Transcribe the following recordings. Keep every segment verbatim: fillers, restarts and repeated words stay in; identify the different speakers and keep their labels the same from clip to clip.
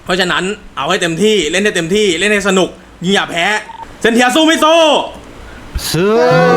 Speaker 1: เพราะฉะนั้นเอาให้เต็มที่เล่นให้เต็มที่เล่นให้สนุกยิงอย่าแพ้เซนเทียสู้ไม่สู้
Speaker 2: สู้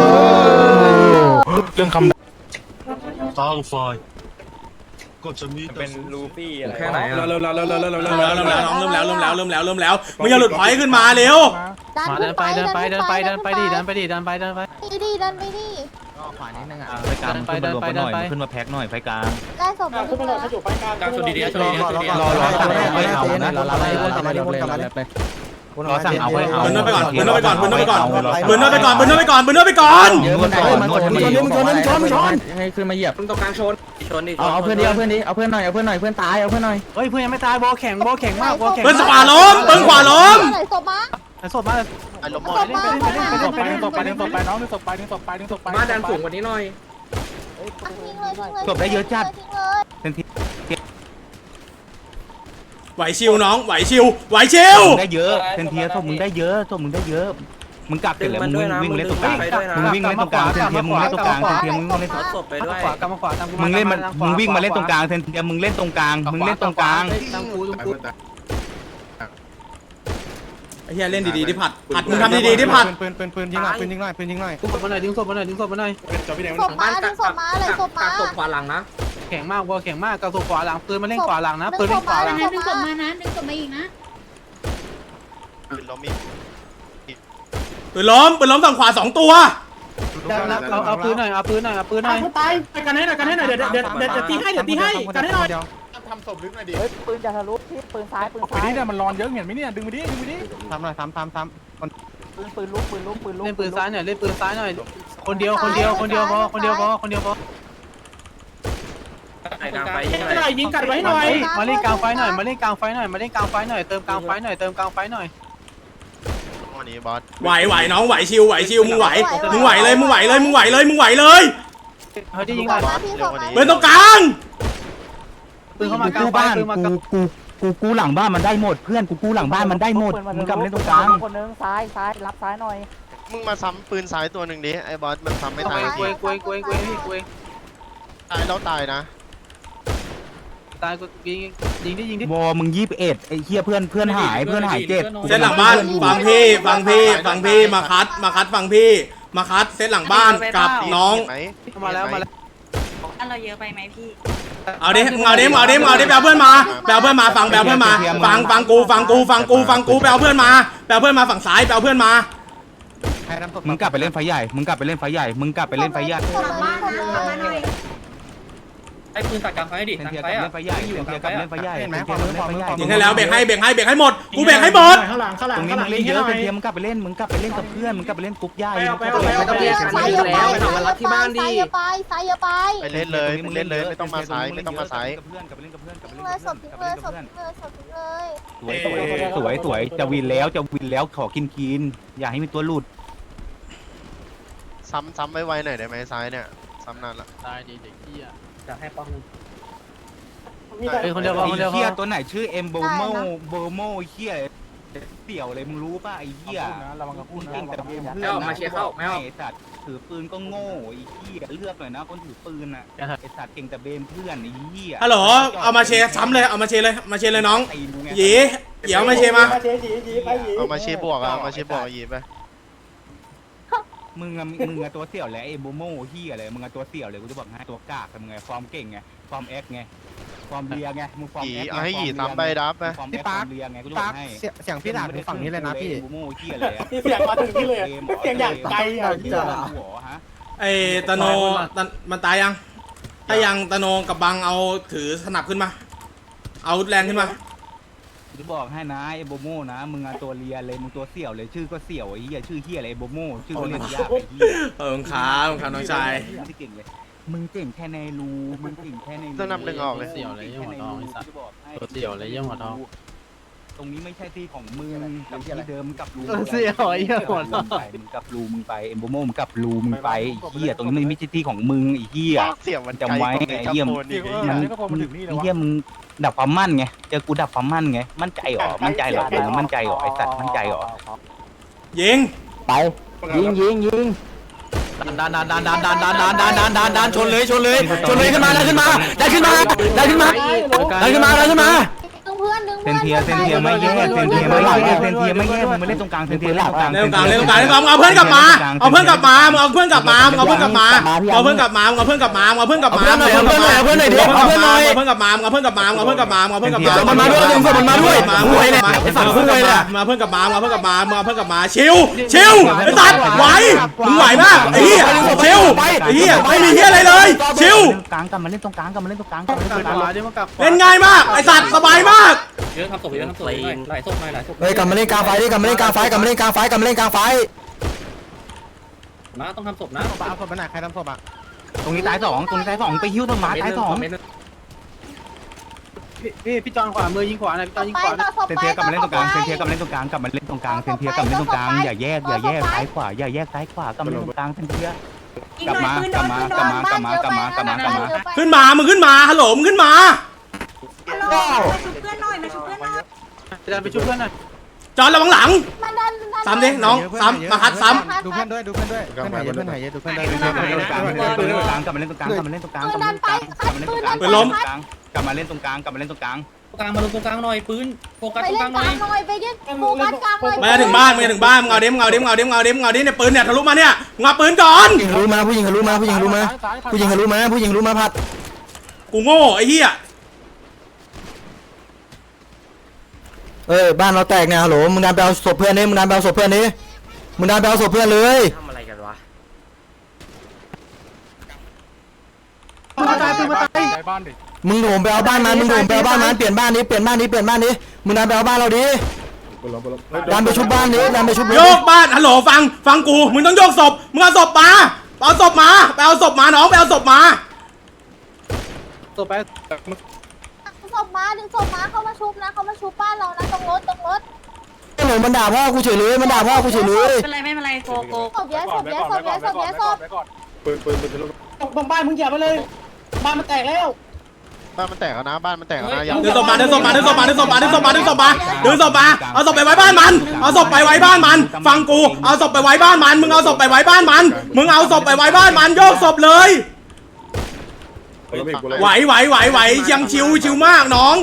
Speaker 2: เรื่องคำ
Speaker 3: ตั้งไฟก็จะมี
Speaker 4: เป็นลูฟี่อะไร
Speaker 5: แค่ไหนอ่ะ
Speaker 1: เริ่มแล้วเริ่มแล้วเริ่มแล้วเริ่มแล้วเริ่มแล้วน้องเริ่มแล้วเริ่มแล้วเริ่มแล้วเริ่มแล้วมึงอย่าหลุดพอยต์ขึ้นมาเร็ว
Speaker 6: มาเดินไปเดินไปเดินไปเดินไปดิเดินไปดิเดินไปเดินไป
Speaker 7: ดีดีดันไปดิ
Speaker 5: ขวานิดนึงอ่ะ
Speaker 2: ไฟกลางขึ้นมารวมกันหน่อยขึ้นมาแพ็คหน่อยไฟกลาง
Speaker 7: ได้ศพมาขึ้นไปหน่อย
Speaker 4: กลางสุดดีๆสุดดีๆสุดดี
Speaker 2: รอรอสั่งเอาไว้เอานะ
Speaker 5: เราเราเรากลับมาดิวนกลับมาดิ
Speaker 2: รอสั่งเอาไว้เอา
Speaker 1: เบิร์นเนอร์ไปก่อนเบิร์นเนอร์ไปก่อนเบิร์นเนอร์ไปก่อนเบิร์นเนอร์ไปก่อนเบิร์นเนอร์ไปก่อนเบิร์นเนอร์ไปก่อน
Speaker 5: เยอะมันชนมันชนมันชนมันชนมันชนมันชนให้ขึ้นมาเหยียบ
Speaker 4: ตรงกลางชนชนดิ
Speaker 5: เอาเอาเพื่อนดิเอาเพื่อนดิเอาเพื่อนหน่อยเอาเพื่อนหน่อยเพื่อนตายเอาเพื่อนหน่อย
Speaker 6: เฮ้ยเพื่อนยังไม่ตายบอลแข็งบอลแข็งมากบอลแข็ง
Speaker 1: เบิร์นขวาล้มเบิร์นขวาล้ม
Speaker 7: ไหนศพมา
Speaker 6: สดมาก
Speaker 7: ศพมาศพมา
Speaker 6: ไปดึงศพไปดึงศพไปน้องดึงศพไปดึงศพไปดึงศพไป
Speaker 4: มาดันสูงกว่านี้หน่อย
Speaker 7: ทิ้งเลยทิ้งเลย
Speaker 2: จบได้เยอะจัด
Speaker 7: ทิ้งเลย
Speaker 2: เป็นที
Speaker 1: ไหวชิวน้องไหวชิวไหวชิว
Speaker 2: ได้เยอะเซนเทียศพมึงได้เยอะศพมึงได้เยอะมึงกลับเสร็จแล้วมึงวิ่งเล่นตรงกลางมึงวิ่งเล่นตรงกลางเซนเทียมึงเล่นตรงกลางเซนเทียมึงเล่น
Speaker 4: ศพไปด้วย
Speaker 6: ขวากำมาขวาตามกู
Speaker 2: มึงเล่นมันมึงวิ่งมาเล่นตรงกลางเซนเทียมึงเล่นตรงกลางมึงเล่นตรงกลาง
Speaker 6: ตามกูตามกู
Speaker 1: ไอ้เหี้ยเล่นดีๆที่ผัดผัดมึงทำดีๆที่ผัด
Speaker 5: ปืนปืนปืนยิงหน่อยปืนยิงหน่อยปืนยิงหน่อย
Speaker 6: ดึงศพมาหน่อยดึงศพมาหน่อยดึงศพมาหน่อย
Speaker 7: ศพมาดึงศพมาเลยศพ
Speaker 4: กลา
Speaker 7: มา
Speaker 4: งศพขวาหลังนะ
Speaker 6: แข็งมากบอลแข็งมากกระสุนขวาหลังปืนมาเล่นขวาหลังนะปืนเล่นขวาหลัง
Speaker 7: ดึงศพมา
Speaker 8: ดึงศพมาอีกนะ
Speaker 3: เรามี
Speaker 1: ปืนล้มปืนล้มฝั่งขวาสองตัว
Speaker 6: เอาเอาปืนหน่อยเอาปืนหน่อยเอาปืนหน่อย
Speaker 8: ตายไปกันให้หน่อยกันให้หน่อยเดี๋ยวเดี๋ยวเดี๋ยวเดี๋ยวตีให้เดี๋ยวตีให้กันให้หน่อย
Speaker 5: ปืนจะทะลุที่ปืนซ้ายปืน
Speaker 6: ไป
Speaker 5: ซ้าย
Speaker 6: นี่เนี่ยมันร้อนเยอะเห็นไหมเนี่ยดึงไปดิดึงไปดิ
Speaker 5: ทำหน่อยทำทำทำปืนปืนลุกปืนลุกปืนลุก
Speaker 6: เล่นปืนซ้ายหน่อยเล่นปืนซ้ายหน่อยคนเดียวคนเดียวคนเดียวพอคนเดียวพอคนเดียวพอ
Speaker 4: กลางไป
Speaker 8: หน่อยยิงกัดไว้หน่อย
Speaker 6: มาเล่นกลางไฟหน่อยมาเล่นกลางไฟหน่อยมาเล่นกลางไฟหน่อยเติมกลางไฟหน่อยเติมกลางไฟหน่อย
Speaker 3: วันนี้บอส
Speaker 1: ไหวไหวน้องไหวชิวไหวชิวมึงไหวมึงไหวเลยมึงไหวเลยมึงไหวเลยมึงไหวเลย
Speaker 6: เขาจะยิง
Speaker 7: ศ
Speaker 6: ก่อ
Speaker 7: พ
Speaker 6: น
Speaker 7: มาพี่ศพมา
Speaker 1: เบิร์นตรงกลาง
Speaker 6: ปืนเข้ามากลางไฟ
Speaker 2: บ้าน
Speaker 6: ปืนมากลาง
Speaker 2: กูกูกูหลังบ้านมันได้หมดเพื่อนกูกูหลังบ้านมันได้หมดมึงกลับมาเล่นตรงกลาง
Speaker 5: คนนึงซ้ายซ้ายรับซ้ายหน่อย
Speaker 3: มึงมาซ้ำปืนซ้ายตัวหนึ่งดิไอ้บอสมันซ้ำไม่
Speaker 6: ก
Speaker 3: ตาย
Speaker 6: วย
Speaker 3: ที
Speaker 6: กวยกวยกวยกวย
Speaker 3: ตายแล้วตายนะ
Speaker 6: ตายกูยิงยิงดิยิงดิ
Speaker 2: วอมึงยี่สิบเอ็ดไอ้เหี้ยเพื่อนเพื่อนหายเพื่อนหายเจ็บ
Speaker 1: เส้นหลังบ้านฟังพี่ฟังพี่ฟังพี่มาคัดมาคัดฟังพี่มาคัดเส้นหลังบ้านกับน้อง
Speaker 3: ไหม
Speaker 6: มาแล้วมาแล้ว
Speaker 8: อันเราเยอะไปไหมพี่
Speaker 1: เอาดิมึงเอาดิมึงเอาดิมึงเอาดิแปลเพื่อนมาแปลเพื่อนมาฟังแปลเพื่อนมาฟังฟังกูฟังกูฟังกูฟังกูแปลเพื่อนมาแปลเพื่อนมาฝั่งซ้ายแปลเพื่อนมา
Speaker 2: มึงกลับไปเล่นไฟใหญ่มึงกลับไปเล่นไฟใหญ่มึงกลับไปเล่นไฟใหญ่
Speaker 7: ศพมาศพมา
Speaker 4: ไอ้ปืนตัดกลางไฟดิ
Speaker 2: เซน
Speaker 4: กลาง
Speaker 2: เทีย
Speaker 4: ไฟ
Speaker 2: กลับ
Speaker 4: อ่ะ
Speaker 2: เล่นไฟใหญ่เซนเทียกลับเล่นไฟใหญ่เซนเทียกลับเล่นไฟใหญ่
Speaker 1: ยิงให้แล้วเบรกให้เบรกให้เบรกให้หมดกูเบรกให้หมด
Speaker 8: ข้างหลังข้างหลั
Speaker 2: ต
Speaker 8: ง
Speaker 2: รงนี้
Speaker 8: ข้างห
Speaker 2: มึ
Speaker 8: ลัง
Speaker 2: งเล่นเยอะ
Speaker 8: ห
Speaker 2: เซ
Speaker 8: น่
Speaker 2: น
Speaker 8: อย
Speaker 2: เทียมึงกลับไปเล่นมึงกลับไปเล่นกับเพื่อนมึงกลับไปเล่นกรุ๊ปใหญ่
Speaker 4: ไม่ต้องเรียกกันยิงแล้วไปทำรัดที่บ้านดิ
Speaker 7: ซ้ายอย่าไปซ้ายอย่าไป
Speaker 3: ไปเล่นเลยไปเล่นเลยไม่ต้องมาซ้ายไม่ต้องมาซ้าย
Speaker 2: กับเพื่อนกลับไปเล่นกับเพื่อนกลับไป
Speaker 7: ทิ้
Speaker 2: เล่
Speaker 7: ง
Speaker 2: น
Speaker 7: เล
Speaker 2: กับ
Speaker 7: ยศ
Speaker 2: เพื่อน
Speaker 7: พ
Speaker 2: กลับ
Speaker 7: ทิ้
Speaker 2: ไป
Speaker 7: ง
Speaker 2: เล่น
Speaker 7: เล
Speaker 2: กับ
Speaker 7: ยศ
Speaker 2: เพื่อน
Speaker 7: พทิ้งเลยศพทิ้งเลย
Speaker 2: สวยสวยสวยจะวินแล้วจะวินแล้วขอกินกินอย่าให้มีตัวหลุด
Speaker 3: ซ้ำซ้ำไว้ไวหน่อยได้ไหมซ้ายเนี่ยซ้ำนานละ
Speaker 6: ตายดีเด็กพี่อ่ะ
Speaker 4: จะให้ป้อง
Speaker 6: เฮ้ยคนเดียวพอคนเดียวพ
Speaker 2: เฮีย
Speaker 6: อ
Speaker 2: ตัวไหนชื่อเอ็มโบโมโบโมเฮียเสี่ยวเลยมึงรู้ป่ะไอ้เฮีย
Speaker 5: ระวังกับพูดนะ
Speaker 2: เก่งแต่เพื่อน
Speaker 4: ไม่ออกมาเชียร์เข้าไม่ออก
Speaker 2: ไอ้สัตว์ถือปืนก็โง่ไอ้เฮียเลือกหน่อยนะคนถือปืนอ่ะไอ้สัตว์เก่งแต่เบนเพื่อนไอ้เฮีย
Speaker 1: ฮัลโหลเอามาเชซ้ำเลยเอามาเชเลยมาเชเลยน้อง
Speaker 2: ตีมึงไง
Speaker 1: หยีเดี๋ยวมาเชมา
Speaker 3: เอามาเชียร์บวกอะเอามาเชียร์บวกยีไป
Speaker 2: มึงอะมึงอะตัวเสี่ยวแหละเอ็มโบโมเฮียอะไรมึงอะตัวเสี่ยวเลยกูจะบอกให้ตัวกากมึงไงฟอร์มเก่งไงฟอร์มแอคไงฟอร์มเลียไงมึงฟอร์ม
Speaker 3: หยี
Speaker 2: แอค
Speaker 3: เอาให้หยีซ้ำไปดับไป
Speaker 2: ฟอร์มแอคฟอร์มเลียไงกูจะบอกให้
Speaker 5: เสียงพี่ด่าถึงฝั่งนี้เลยนะพี่
Speaker 2: เอ็มโบโมเฮียเลย
Speaker 8: เสียงมาถึงที่เลยเสียงอย่างไกลอ่ะ
Speaker 2: เฮียหัวฮะ
Speaker 1: ไอ้ตโนตนมันตายยังถ้ายังตโนกับบังเอาถือสนับขึ้นมา เอาแรงขึ้นมา
Speaker 2: กูจะบอกให้นะเอ็มโบโมนะมึงอะตัวเลียเลยมึงตัวเสี่ยวเลยชื่อก็เสี่ยวไอ้เฮียชื่อเฮียอะไรเอ็มโบโมชื่อก็เรียกยากไอ้เฮีย
Speaker 1: เออขาขาน้องชาย
Speaker 2: ไม่เก่งเลย มึงเก่งแค่ในรูมึงเก่งแค่ในรู
Speaker 3: ต้องนำหนึ่งออกเลย
Speaker 6: เสี่ยวเลยยังหัวทองไอ้สัตว์
Speaker 2: จะบอกให้
Speaker 6: ตัวเสี่ยวเลยยังหัวทอง
Speaker 2: ตรงนี้ไม่ใช่ที่ของมึงกับที่เดิมกับรู
Speaker 6: เสี่ยวไอ้เหี้ยหัวทอง
Speaker 2: มึงกับรูมึงไปเอ็มโบโมมึงกับรูมึงไปไอ้เหี้ยตรงนี้มันไม่ใช่ที่ของมึงไอ้เหี้ย
Speaker 3: เสียงมัน
Speaker 2: จำไว้ไอ้เหี้ย
Speaker 3: มัน
Speaker 2: มันไอ้เหี้ยมึงดับความมั่นไงเจอกูดับความมั่นไงมั่นใจหรอมั่นใจหรอมึงมั่นใจหรอไอ้สัตว์มั่นใจหรอ
Speaker 1: ยิง
Speaker 5: ไปยิงยิงยิง
Speaker 6: ดันดันดันดันดันดันดันดันดันดันดันชนเลยชนเลยชนเลยขึ้นมาดันขึ้นมาดันขึ้นมาดันขึ้นมาดันขึ้นมาดันขึ้นมา
Speaker 7: ดึงเพื่อนดึง
Speaker 2: เซนเทียเซนเทียไม่แยกเซนเทียไม่แยกเซนเทียไม่แยกมึงมาเล่นตรงกลางเซนเทียเล่นตรงกลาง
Speaker 1: เล่นตรงกลางเล่นตรงกลางเล่นตรงกลางเอาเพื่อนกลับมาเอาเพื่อนกลับมามึงเอาเพื่อนกลับมามึงเอาเพื่อนกลับมาเอาเพื่อนกลับมามึงเอาเพื่อนกลับมามึงเอาเพื่อนกลับมาเอาเพื่อนกลับมาเอาเพื่อนหน่อยเอาเพื่อนหน่อยเอาเพื่อนกลับมาเอาเพื่อนกลับมาเอาเพื่อนกลับมาเอาเพื่อนกลับมามันมาด้วยดึงมันมาด้วยมาคุยเลยไอ้สัตว์คุยเลยมาเพื่อนกลับมาเอาเพื่อนกลับมาเอาเพื่อนกลับมาชิวชิวไอ้สัตว์ไหวมึงไหวมากไอ้เหี้ยชิวไอ้เหี้ยไม่มีเหี้ยอะไรเลยชิว
Speaker 2: กลางกลับมาเล่นตรงกลางกลับมาเล่นตรงกลางกลับมาเล่นตรงกลาง
Speaker 1: เล่นง่ายมากไอ้สัตว์สบายมาก
Speaker 4: เยอะทำศพเยอะทำศพหน่อยหลายศพหน่อยหลายศพ
Speaker 5: เฮ้ยกลับมาเล่นกลางไฟดิกลับมาเล่นกลางไฟกลับมาเล่นกลางไฟกลับมาเล่นกลางไฟ
Speaker 4: นะต้องทำศพนะ
Speaker 6: เอาศพไปไหนใครทำศพอ่ะ
Speaker 2: ตรงนี้ตายสองตรงนี้ตายสองไปหิ้วต้นไม้ตายสอง
Speaker 6: พี่พี่จอนขวามือยิงขวาหน่อยพี่จอนยิง
Speaker 7: ไป
Speaker 6: ขวา
Speaker 7: ต่อศพ
Speaker 2: เซน
Speaker 7: ไป
Speaker 2: เทียกลับมาเล่นตรงกลาง
Speaker 7: ต่
Speaker 2: เซ
Speaker 7: อน
Speaker 2: เทียกลับมาเล่นตรงกลางกลับมาเล่นตรงกลางเซนเทียกลับมาเล่นตรงกลางอย่าแยกอย่าแยกซ้ายขวาอย่าแยกซ้ายขวากลับมาเล่นตรงกลางเซนเทียกลับมากลับมากลับมากลับมากลับมากลับมากลับมา
Speaker 1: ขึ้นมามึงขึ้นมาฮัลโหลมึงขึ้นมา
Speaker 6: จะดันไปช่วยเพื่อนหน่อย
Speaker 1: จอนระวังหลัง
Speaker 7: มันดันดัน
Speaker 1: ซ้ำดิน้องซ้ำมาคัดซ้
Speaker 6: ดูเพื่อนด้วยดูเพื่อนด้วยเพื่อนหายเยอะเพื่อนหายเยอะดูเพื่อนด้วย
Speaker 2: กลับมาเล่นตรงกลางกลับมาเล่นตรงกลางกลับมาเล่นตรงกลางกลับมาเล่นตรงกลางกลับมาเล่นตรงกลางกลับมาเล่นตรงกลางกลับมาเล่นตรงกลาง
Speaker 4: กลางมาลงตรงกลางหน่อยปืนโฟกัส
Speaker 7: ไป
Speaker 4: ตรง
Speaker 7: เล่
Speaker 4: ก
Speaker 7: น
Speaker 4: ลางห
Speaker 7: ก
Speaker 4: น่อย
Speaker 7: ลางหน่อยไปเล่นโฟกัสกลางหน่อย
Speaker 1: ำมาถึงบ้านมาถึงบ้านมึงเอาดิมึงเอาดิมึงเอาดิมึงเอาดิมึงเอาดิเนี่ยปืนเนี่ยทะลุมาเนี่ยมึงเอาปืนก่อน
Speaker 5: ผู้หญิงรู้มาผู้หญิงรู้มาผู้หญิงรู้มาผู้หญิงรู้มาผู้หญิงรู้มาผัด
Speaker 1: กูโง่ไอ้เหี้ย
Speaker 5: เอ้ยบ้านเราแตกเนี่ยฮัลโหลมึงดันไปเอาศพเพื่อนนี่มึงดันไปเอาศพเพื่อนนี่มึงดันไปเอาศพเพื่อนเลย
Speaker 4: ทำอะไรกันวะ
Speaker 6: ปืนมาตายปืนมาตาย
Speaker 5: มึงโถมไปเอาบ้านมันมึงโถมไปเอาบ้านมันเปลี่ยนบ้านนี้เปลี่ยนบ้านนี้เปลี่ยนบ้านนี้มึงดันไปเอาบ้านเราดิดันไปชุบบ้านนี้ดันไปชุบ
Speaker 1: โยกบ้านฮัลโหลฟังฟังกูมึงต้องโยกศพมึงเอาศพมาเอาศพมาไปเอาศพมาน้องไปเอาศพมา
Speaker 6: ศพไป
Speaker 7: ศพมาดึงศพมาเข้ามาชุบนะเข้ามาชุบบ้านเรานะตรงรถตรงรถ
Speaker 5: หนูมันด่าพ่อกูเฉยเลยมันด่าพ่อกูเฉยเลย
Speaker 9: เป็นไรไม่เป็นไรโกโก
Speaker 7: ศพเยอะศพเยอะศพเยอะศพเยอะศพ
Speaker 8: ตรงบ้านมึงอย่าไปเลยบ้านมันแตกแล้ว
Speaker 3: บ้านมันแตกแล้วนะบ้านมันแตกแล้วนะอย่า
Speaker 1: ดึงศพมาดึงศพมาดึงศพมาดึงศพมาดึงศพมาดึงศพมาดึงศพมาเอาศพไปไว้บ้านมันเอาศพไปไว้บ้านมันฟังกูเอาศพไปไว้บ้านมันมึงเอาศพไปไว้บ้านมันมึงเอาศพไปไว้บ้านมันโยกศพเลยไหวไหวไหวไหวยังชิวชิวมากน้อง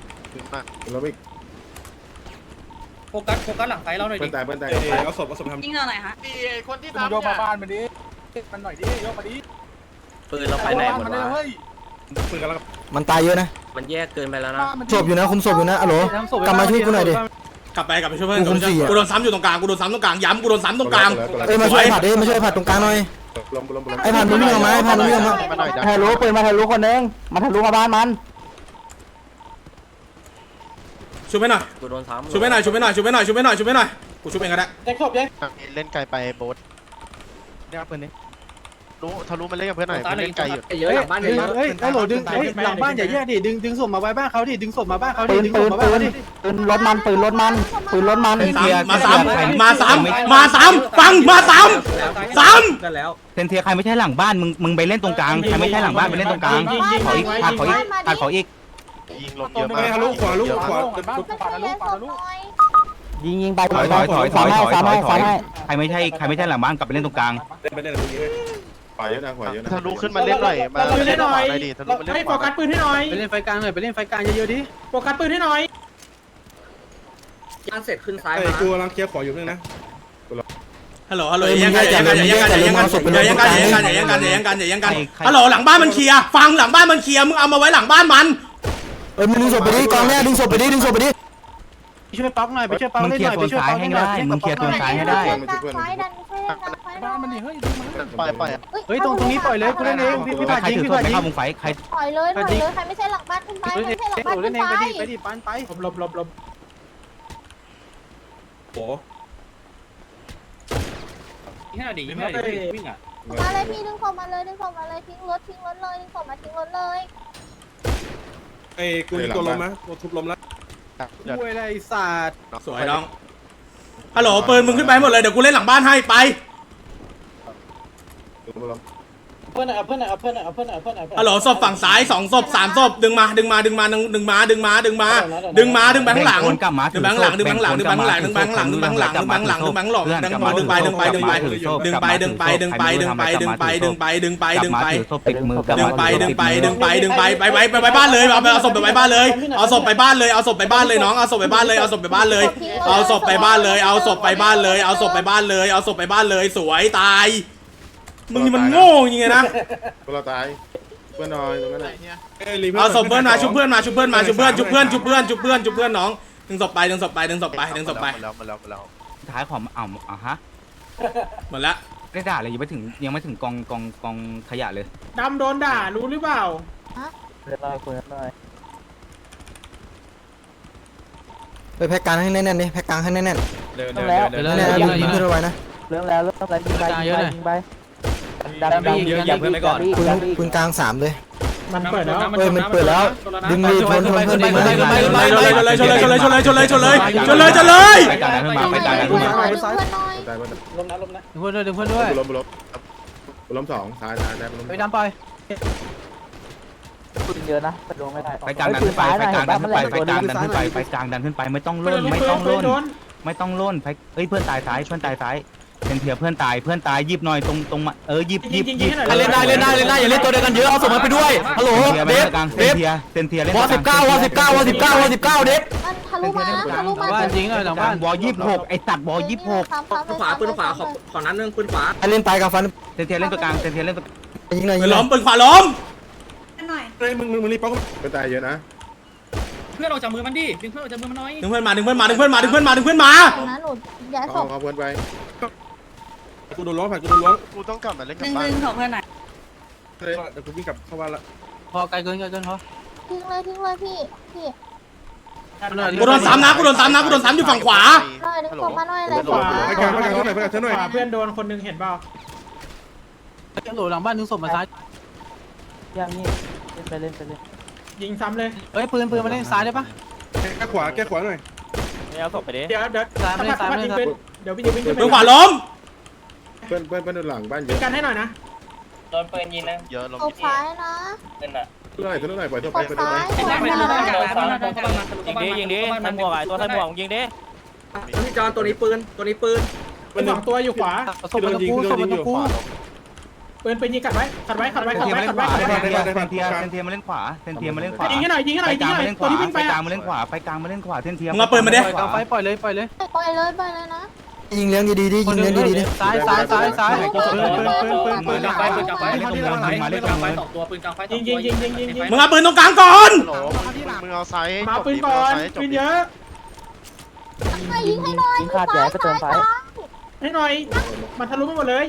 Speaker 4: โฟกัสโฟกัสหลังไฟเราหน่อยดิ
Speaker 9: ยิงเราหน่อยฮะ
Speaker 6: คนที่ทำโยกมาบ้านมันดิมันหน่อยดิโยกมาดิ
Speaker 4: ปืนเราไปไหนหมดวะ
Speaker 5: มันตายเยอะนะ
Speaker 4: มันแยกเกินไปแล้วนะ
Speaker 5: ศพอยู่นะคุมศพอยู่นะฮัลโหลกลับมาช่วยกูหน่อยดิ
Speaker 1: กลับไปกลับไปช่วยเพื่อน
Speaker 5: กูคุมสี่อะ
Speaker 1: กูโดนซ้ำอยู่ตรงกลางกูโดนซ้ำตรงกลางย้ำกูโดนซ้ำตรงกลาง
Speaker 5: เอ้ยมาช่วยผัดดิมาช่วยผัดตรงกลางหน่อยไอ้ผัดมึงวิ่งออกมาไอ้ผัดมึงวิ่งออกมา
Speaker 3: มาหน่อยดัน
Speaker 5: ทะลุปืนมาทะลุคนนึงมาทะลุมาบ้านมัน
Speaker 1: ช่วยไปหน่อย
Speaker 4: กูโดนซ้ำ
Speaker 1: ช่วยไปหน่อยช่วยไปหน่อยช่วยไปหน่อยช่วยไปหน่อยช่วยไปหน่อยกูช่วยเองก็ได้
Speaker 8: แตกศพยัง
Speaker 3: เล่นไกลไปโบ๊ท
Speaker 6: เดี๋ยวปืนนี้
Speaker 3: รู้ทะลุมาเล่นกับเพื่อนหน่อยเล่นไกลอยู่
Speaker 4: เยอะหลังบ้านเย
Speaker 6: ดึง
Speaker 4: อะ
Speaker 6: เฮ้ยไอ้โหลดึงเฮ้ยหลังบ้านอย่าแยกดิดึงดึงศพมาไว้บ้านเขาดิดึงศพมาบ้านเขาดิดึงศพมาบ้านเขาดิ
Speaker 5: ปืนรถมันปืนรถมันปืนรถมัน
Speaker 1: มาซ้ำมาซ้ำมาซ้ำฟังมาซ้ำซ้ำ
Speaker 4: กันแล้ว
Speaker 2: เซนเทียใครไม่ใช่หลังบ้านมึงมึงไปเล่นตรงกลางใครไม่ใช่หลังบ้านไปเล่นตรงกลางขออีกขาดขออีกขาดขออีก
Speaker 3: ยิงลงเยอะมาก
Speaker 6: ทะลุขวาทะลุขวา
Speaker 7: มันช่วยเยอะศพหน่อย
Speaker 5: ยิงยิงไป
Speaker 2: ถอยถอยถอยถอยถอยถอยถอยใครไม่ใช่ใครไม่ใช่หลังบ้านกลับไปเล่นตรงกลาง
Speaker 3: ทะลุขึ้นมาเล่นหน่อยมา
Speaker 8: เราปืนให้หน่อย
Speaker 3: ได้ดิทะลุมาเล่น
Speaker 8: ให้โฟกัสปืนให้หน่อย
Speaker 6: ไปเล่นไฟกลางหน่อยไปเล่นไฟกลางเยอะๆดิ
Speaker 8: โฟกัสปืนให้หน่อย
Speaker 4: ย่างเสร็จขึ้นซ้ายมา
Speaker 1: ฮัลโหลฮัลโหลอย่าแย่งกันอย่าแย่งกันอย่าแย่งกันอย่าแย่งกันอย่าแย่งกันอย่าแย่งกันอย่าแย่งกันอย่าแย่งกันอย่าแย่งกันฮัลโหลหลังบ้านมันเคลียร์ฟังหลังบ้านมันเคลียร์มึงเอามาไว้หลังบ้านมัน
Speaker 5: เอ้ยมึงดึงศพไปดิกองแรกดึงศพไปดิดึงศพไปดิ
Speaker 6: ไปช่วยป๊อกหน่อยไปช่วยป๊อก
Speaker 2: มึง
Speaker 6: เล่น
Speaker 2: เคลี
Speaker 6: ห
Speaker 2: ย
Speaker 6: น่อย
Speaker 2: ร์
Speaker 6: ไป
Speaker 2: โซน
Speaker 6: ช่วย
Speaker 2: ซ้า
Speaker 6: ป๊
Speaker 2: ย
Speaker 6: อก
Speaker 2: ให้
Speaker 6: เล่นหน่อย
Speaker 2: ได้มึงเคลียร์โซนซ้ายให้ได้
Speaker 7: เล่นกลางไฟดันช่วยเล่นกลางไฟหน่อย
Speaker 3: ปล่อยปล่อย
Speaker 6: เฮ้ยตรงตรงนี้ปล่อยเลยกูเล่นเองพี่พี่
Speaker 2: ใค
Speaker 6: ผ่าร นยิง
Speaker 2: ถือ
Speaker 6: พี่
Speaker 2: ศพ
Speaker 6: ผ่าน
Speaker 2: ไม่
Speaker 6: ยิง
Speaker 2: เข้ามุงไฟใคร
Speaker 7: ถอยเลยถอยเลยใครไม่ใช่หลังบ้านขึ้นไป
Speaker 6: เฮ้ย
Speaker 7: ไม่ใช่หลังบ้าน
Speaker 6: เล่
Speaker 7: ขึ้
Speaker 6: น
Speaker 7: น
Speaker 6: เอง
Speaker 7: ไป
Speaker 6: ไปดิไปดิปันไป
Speaker 8: หลบหลบหลบ
Speaker 4: ยิงให้หน่อยดิยิงให้หน่อยดิวิ่งอ่ะ
Speaker 7: มาเลยพี่ดึงศพมาเลยดึงศพมาเลยทิ้งรถทิ้งรถเลยดึงศพมาทิ้งรถเลย
Speaker 10: ไอ้กูมีตัวลมนะตัวทุบลมแล้ว
Speaker 6: ช่วยอะไรศาสตร์
Speaker 1: สวยน้องฮัลโหลปืนมึงขึ้นไปหมดเลยเดี๋ยวกูเล่นหลังบ้านให้ไป
Speaker 6: เพื่อนเอาเพื่อนเอาเพื่อนเอาเพื่อนเอาเพื่อนเอาเพื่อน
Speaker 1: ฮัลโหลศพฝั่งซ้ายสองศพสามศพดึงมาดึงมาดึงมาดึงดึงมาดึงมาดึงมาดึงมาดึงแบงค์หลังดึงแบงค์หลังดึงแบงค์หลังดึงแบงค์หลังดึงแบงค์หลังดึงแบงค์หลังดึงแบงค์หลังดึงแบงค์หลังดึงดึงไปดึงไปดึงไปดึงไปดึงไปดึงไปดึงไปดึงไปดึงไปดึงไปดึงไป
Speaker 2: ติดมือ
Speaker 1: ดึงไปดึงไปดึงไปดึงไปไปไว้ไปไว้บ้านเลยเอาไปเอาศพไปไว้บ้านเลยเอาศพไปบ้านเลยเอาศพไปบ้านเลยน้องเอาศพไปบ้านเลยเอาศพไปบ้านเลยเอาศพไปบ้านเลยเอาศพไปบ้านเลยเอาศพไปบ้านเลยเอาศพไปบ้านเลยสวยตายมึงนี่มันโง่จริงๆนะ
Speaker 10: เราตายเพื่อนน้อยตรงนั้นแหละ
Speaker 1: เอาศพเพื่อนมาชุบเพื่อนมาชุบเพื่อนมาชุบเพื่อนชุบเพื่อนชุบเพื่อนชุบเพื่อนชุบเพื่อนน้องดึงศพไปดึงศพไปดึงศพไปดึงศพไป
Speaker 3: แล้วมาแล้วมาแล้ว
Speaker 2: ท้ายของอ่ำอ่ะฮะ
Speaker 1: หมดละ
Speaker 2: ได้ด่าเลยยังไม่ถึงยังไม่ถึงกองกองกองขยะเลย
Speaker 8: ดำโดนด่ารู้หรือเปล่า
Speaker 5: ไปแพ็กกลางให้แน่นๆดิแพ็กกลางให้แน่นๆ
Speaker 3: เดินเดินเดินเดิน
Speaker 5: แน่ๆยิงเพื่อนเอาไว้นะ
Speaker 6: เรื่องแล้วเรื่องอะไรยิงไปยิงไปดันดัน
Speaker 3: อย่าเพื่อนไปก่อน
Speaker 5: ปืนปืนกลางสามเลย
Speaker 8: มันเปิดแล้ว
Speaker 5: เอ้ยมันเปิดแล้วดึงดีชนชนเพื่อนดึงมา
Speaker 1: ชนเลยชนเลยชนเลยชนเลยชนเลยชนเลยชนเลยชนเลยชนเลย
Speaker 2: ไปกลางนั้นขึ้นมาไปกลางนั้นขึ้นมา
Speaker 7: เพื่อนน้อย
Speaker 10: ตายเพื่อน
Speaker 6: ลมนะลมนะ
Speaker 5: เพื่อนด้วยดึงเพื่อนด้วย
Speaker 10: ล้มล้มล้มสองตายตายตายล้ม
Speaker 5: ไปดำไป
Speaker 6: ปืนเยอะนะแต่ลงไม่ได้
Speaker 2: ไปกลางนั้นขึ้นไปไปกลางนั้นขึ้นไปไปกลางนั้นขึ้นไปไปกลางนั้นขึ้นไปไม่ต้องล่นไม่ต้องล่นไม่ต้องล่นไปเอ้ยเพื่อนตายซ้ายเพื่อนตายซ้ายเป็นเพียเพื่อนตายเพื่อนตายยิบหน่อยตรงตรงเออยิบยิบยิบ
Speaker 5: เล่นได้เล่นได้เล่นได้อย่าเล่นตัวเดียวกันเยอะเอาส่งมันไปด้วยฮัลโหล
Speaker 2: เทีย
Speaker 5: เดฟ
Speaker 2: กลางเซ
Speaker 5: เด
Speaker 2: น
Speaker 5: ฟ
Speaker 2: เทียเซนเทียเล่น
Speaker 5: วอสิบเก้าวอสิบเก้าวอสิบเก้าวอสิบเก้าเดฟ
Speaker 7: มันทะลุมาทะลุมา
Speaker 5: บ้านจริงเลยหลังบ้าน
Speaker 2: วอยี่สิบหกไอ้ตัดวอยี่สิบหก
Speaker 4: ขวาปืนขวาขอขอนั้นนึงปืนขวา
Speaker 5: เล่นตายกับฟัน
Speaker 2: เซนเทียเล่นตัวกลางเซนเทียเล่นตัว
Speaker 5: ยิงเลยยิ
Speaker 1: ปื
Speaker 5: ง
Speaker 1: น
Speaker 5: เล
Speaker 1: ล้
Speaker 5: ย
Speaker 1: มปืนขวาล้ม
Speaker 9: หน่อย
Speaker 10: เฮ้ยมึงมึงมึงรีบป้องเพื่อนตายเยอะนะ
Speaker 4: เพื่อนออกจากมือมันดิดึงเพื่อนออกจากมือมันน้อย
Speaker 1: ดึงเพื่อนมาดึงเพื่อนมาดึงเพื่อนมาดึงเพื่อนมาดึงเพื่อนมา
Speaker 7: นะหนูย้ายศ
Speaker 10: เอา
Speaker 7: พ
Speaker 10: เอาเพื่อนไปกูโดนล้วงผ่านกูโดนล้วง
Speaker 3: กูต้องกลับมาเล่น
Speaker 9: ห
Speaker 3: กับ
Speaker 9: นึ่ง
Speaker 3: บ้า
Speaker 9: ห
Speaker 3: น
Speaker 9: นึ่งของเพื่อนหน่อย
Speaker 10: เดี๋ยวกูวิ่งกลับเข้าบ้านละ
Speaker 5: พอไกลเกินไกลเกินพอ
Speaker 7: ทิ้งเลยทิ้งเลยพี่พี่
Speaker 1: กูโดนซ้ำนะกูโดนซ้ำนะกูโดนซ้ำอยู่ฝั่งขวา
Speaker 7: หน่อยดึงศพมาหน่อยอะไร
Speaker 8: ขวา
Speaker 10: ไปกลางไปกลางเท่าไหร่ไปกลางเท่าไหร่
Speaker 8: เพื่อนโดนคนนึงเห็นเปล่า
Speaker 5: โหลหลังบ้านนึงศพมาซ้าย
Speaker 6: อย่างนี้เล่นไปเล่นไปเล่น
Speaker 8: ยิงซ้ำเลย
Speaker 5: เฮ้ยปืนปืนมาเล่นซ้ายได้ปะ
Speaker 10: แก้ขวาแก้ขวาหน่อย
Speaker 8: เดี๋ยวเดี๋ยวถ้าพัดยิงเป็นเดี๋ยวพี่จะวิ่งขึ้นไป
Speaker 1: ปืนขวาล้ม
Speaker 10: เพื่อนเพื่อนเพื่อนหลังบ้านเยอะ
Speaker 8: กันให้หน่อยนะ
Speaker 3: โดนปืนยิงนะเยอะลม
Speaker 7: ศพซ้ายนะ
Speaker 10: เท่าไหร่เท่าไหร่ปล่อยเท่า
Speaker 7: ศ
Speaker 10: ไป
Speaker 7: พ
Speaker 10: ไปเท่า
Speaker 7: ซ้า
Speaker 10: ไหร่
Speaker 7: ยหัวหน้า
Speaker 4: ยิงดิยิงดิใส่หมวกไอ้ตัวใส่หมวกยิงดิพี่จอนตัวนี้ปืนตัวนี้ปืน
Speaker 8: เป็นสองตัวอยู่ขวา
Speaker 5: ศพมันตะกูศพมันตะกู
Speaker 8: ปืนปืนยิงกัดไว้ขัดไว้ขัดไว้
Speaker 2: เซ
Speaker 8: ขั
Speaker 2: น
Speaker 8: ด
Speaker 2: เทีย
Speaker 8: ไว้
Speaker 2: มา
Speaker 8: ขั
Speaker 2: เล่
Speaker 8: ด
Speaker 2: น
Speaker 8: ไว้
Speaker 2: ขวา
Speaker 8: ขัดไว้
Speaker 2: เซนเทียเซนเทียมาเล่นขวาเซนเทียมาเล่นขวา
Speaker 8: ยิงให้หน่อยยิงให้หน่
Speaker 2: ไป
Speaker 8: อยยิ
Speaker 2: ก
Speaker 8: ง
Speaker 2: ลาง
Speaker 8: ให้ห
Speaker 2: มา
Speaker 8: น่อย
Speaker 2: เล่นข
Speaker 8: ตัว
Speaker 2: วา
Speaker 8: ที่วิ่ง
Speaker 2: ไป
Speaker 8: ไป
Speaker 2: กลางมาเล่นขวาไปกลางมาเล่นขวาเซนเทีย
Speaker 5: มึงเอาปืนมาดิ
Speaker 7: ไฟปล่อยเลยปล่อยเลยนะ
Speaker 5: ยิงเลี้ยงดีๆดิยิงเลี้ยงดีๆดิซ้ายซ้ายซ้ายซ้าย
Speaker 4: ปืนปืนปืนปืนกลางไฟปืนกลางไฟเล่นตรงกลางไฟเล่นกลางไฟสองตัวปืนกลางไฟ
Speaker 8: ยิงยิงยิงยิงยิงยิง
Speaker 1: มึงเอาปืนตรงกลางก่อน
Speaker 3: โหลมึงเอาไซส์
Speaker 8: มาปืนก่อนปืนเยอะ
Speaker 7: ให้ยิงให้หน่อยซ้ายซ้ายซ้าย
Speaker 8: ให้หน่อยมันทะลุมาหมดเลย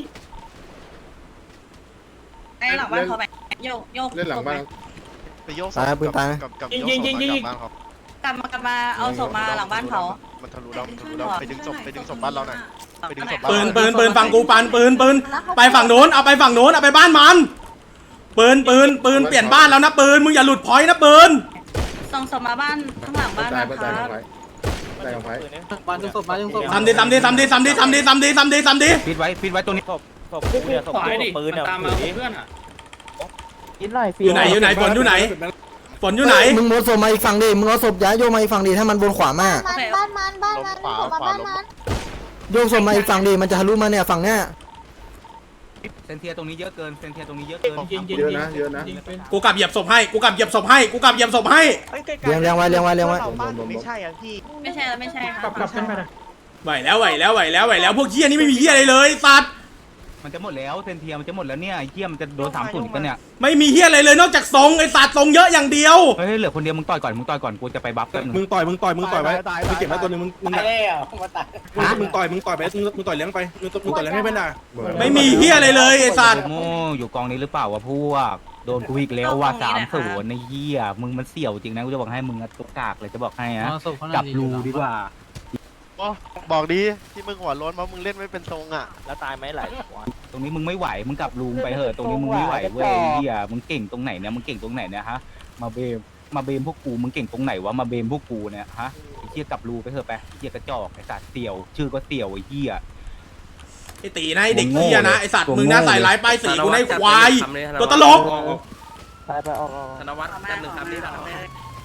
Speaker 9: ไอ้หลังบ้านเขาไปโยกโยก
Speaker 10: เล่นหลังบ้าน
Speaker 3: ไปโยก
Speaker 5: ตายปืนตาย
Speaker 3: กับกับโยกศพมากลับบ้านเขา
Speaker 9: กลับมากลับมาเอาศพมาหลังบ้านเขา
Speaker 3: มันทะลุเรามันทะลุเราไปดึงศพไปดึงศพบ้านเราหน่อยไปดึงศพบ้าน
Speaker 1: ปืนปืนปืนฝั่งกูปันปืนปืนไปฝั่งโน้นเอาไปฝั่งโน้นเอาไปบ้านมันปืนปืนปืนเปลี่ยนบ้านแล้วนะปืนมึงอย่าหลุดพอยต์นะปืน
Speaker 9: ส่งศพมาบ้านข้างหลังบ้าน
Speaker 10: ตาย
Speaker 9: นะ
Speaker 10: เพื่อน
Speaker 9: ค
Speaker 10: ตาย
Speaker 9: รั
Speaker 10: ของ
Speaker 9: บ
Speaker 10: ไฟตายของไฟ
Speaker 5: มาดึงศพมาดึงศพ
Speaker 1: ทำดีทำดีทำดีทำดีทำดีทำดีทำดีทำดี
Speaker 2: ปิดไว้ปิดไว้ตรงนี้
Speaker 4: ขวาดิปืนตามมาเพื่อนอ่ะ
Speaker 6: กินหน่อย
Speaker 1: อยู่ไหนอยู่ไหนฝนอยู่ไหนฝนอยู่ไหน
Speaker 5: มึงโมดศพมาอีกฝั่งดิมึงเอาศพย้ายโยกมาอีกฝั่งดิถ้ามันบนขวามาก
Speaker 7: มันบ้านมันบ้านมันศพมาบ้านมัน
Speaker 5: โยกศพมาอีกฝั่งดิมันจะทะลุมาเนี่ยฝั่งเนี้ย
Speaker 2: เซนเทียตรงนี้เยอะเกินเซนเทียตรงนี้เยอะเกิน
Speaker 8: ยิงยิง
Speaker 10: เยอะ
Speaker 8: ยิง
Speaker 10: นะเยอะนะ
Speaker 8: ยิงเป็น
Speaker 1: กูกลับเหยียบศพให้กูกลับเหยียบศพให้กูกลับเหยียบศพให้
Speaker 5: เลี้ยงเลี้ยงไว้เลี้ยงไว้เลี้ยงไว้
Speaker 3: ไม่ใช่อ่ะพี่
Speaker 9: ไม่ใช่แล้วไม่ใช่
Speaker 8: กลับกลับขึ้นไปนะ
Speaker 1: ไหวแล้วไหวแล้วไหวแล้วไหวแล้วพวกเฮียนี่ไม่มีเฮียอะไรเลยสัตว์
Speaker 2: มันจะหมดแล้วเซนเทียมันจะหมดแล้วเนี่ยเยี่ยมจะโดนสามศูนย์กันเนี่ย
Speaker 1: ไม่มีเฮียอะไรเลยนอกจากทรงไอ้สัตว์ทรงเยอะอย่างเดียว
Speaker 2: เฮ้ยเหลือคนเดียวมึงต่อยก่อนมึงต่อยก่อนกูจะไปบัฟกัน
Speaker 10: มึงต่อยมึงต่อยมึงต่อยไว้มึงเก็บไว้ตัวนึงมึงมึง
Speaker 6: ตายแล้วมาตาย
Speaker 10: มึงต่อยมึงต่อยไปมึงมึงต่อยเลี้ยงไปมึงมึงต่อยเลี้ยงให้เพื่อนด่า
Speaker 1: ไม่มีเฮียอะไรเลยไอ้สัตว์
Speaker 2: โม่อยู่กองนี้หรือเปล่าวะพวกโดนกูอีกแล้วว่าสามศูนย์ในเหี้ยมึงมันเสี่ยวจริงนะกูจะบอกให้มึงตุกกากเลยจะบอกให้นะจับรูดีกว่า
Speaker 3: บอกดีที่มึงหัวร้อนเพราะมึงเล่นไม่เป็นทรงอ่ะ
Speaker 4: แล้วตายไหมหลาย
Speaker 2: ตรงนี้มึงไม่ไหวมึงกลับรูไปเหอะตรงนี้มึงไม่ไหวเว้ยเหี้ยมึงเก่งตรงไหนเนี่ยมึงเก่งตรงไหนเนี่ยฮะมาเบมมาเบมพวกกูมึงเก่งตรงไหนวะมาเบมพวกกูเนี่ยฮะไอ้เหี้ยกลับรูไปเถอะไปไอ้เหี้ยกระจอกไอ้สัตว์เสี่ยวชื่อก็เสี่ยวไอ้เหี้ย
Speaker 1: ไอตีนะไอเด็กเหี้ยนะไอสัตว์มึงน่าใส่ร้ายป้ายสีกูในควายตัวตลก
Speaker 6: ไปไปออก
Speaker 4: ธนวัฒน์กันหนึ่งคำนี้ธนวัฒน์